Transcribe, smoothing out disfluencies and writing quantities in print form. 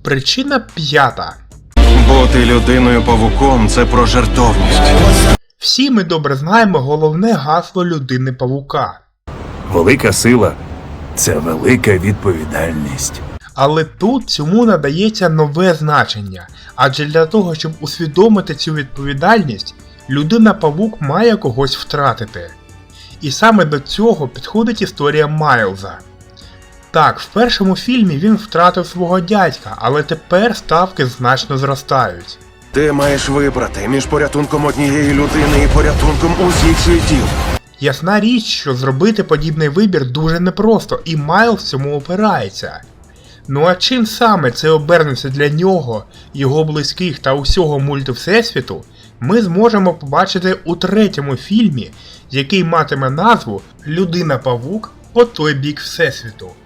Причина 5. Бути людиною-павуком – це про жертовність. Всі ми добре знаємо головне гасло людини-павука. Велика сила – це велика відповідальність. Але тут цьому надається нове значення, адже для того, щоб усвідомити цю відповідальність, людина-павук має когось втратити. І саме до цього підходить історія Майлза. Так, в першому фільмі він втратив свого дядька, але тепер ставки значно зростають. Ти маєш вибрати між порятунком однієї людини і порятунком усіх світів. Ясна річ, що зробити подібний вибір дуже непросто, і Майлз цьому опирається. Ну а чим саме це обернеться для нього, його близьких та усього мультивсесвіту, ми зможемо побачити у третьому фільмі, який матиме назву «Людина-павук по той бік Всесвіту».